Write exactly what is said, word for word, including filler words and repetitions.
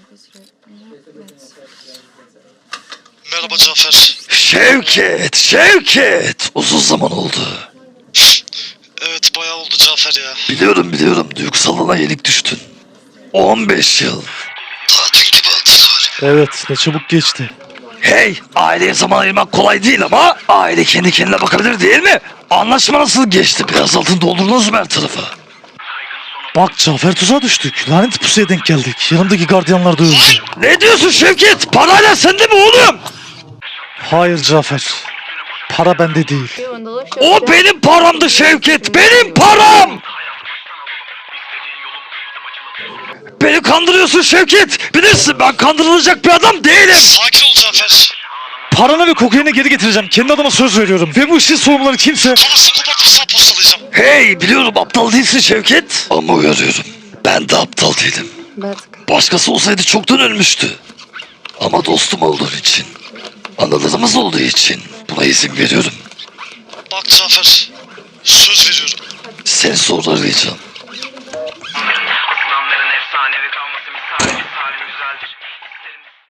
Merhaba Cafer. Şevket, Şevket. Uzun zaman oldu. Evet bayağı oldu Cafer ya. Biliyorum biliyorum, duygusalına yenik düştün. on beş yıl. Tatil gibi hatırlar. Evet, ne çabuk geçti. Hey, aileye zaman ayırmak kolay değil ama aile kendi kendine bakabilir değil mi? Anlaşma nasıl geçti? Biraz altın doldurdunuz mu her tarafa? Bak Cafer, tuzağa düştük. Lanet pusuya denk geldik. Yanımdaki gardiyanlar da öldü. Ne diyorsun Şevket? Parayla sende mi oğlum? Hayır Cafer. Para bende değil. O benim paramdı Şevket, benim param! Beni kandırıyorsun Şevket. Bilirsin ben kandırılacak bir adam değilim. Sakin ol Cafer. Paranı ve kokaini geri getireceğim. Kendi adıma söz veriyorum. Ve bu işin sorumluları kimse... Parasını kopartıp sağ postalayacağım. Hey, biliyorum aptal değilsin Şevket. Ama uyarıyorum, ben de aptal değilim. Başkası olsaydı çoktan ölmüştü. Ama dostum olduğun için, anılarımız olduğu için buna izin veriyorum. Bak Cafer. Söz veriyorum. Seni sonra arayacağım.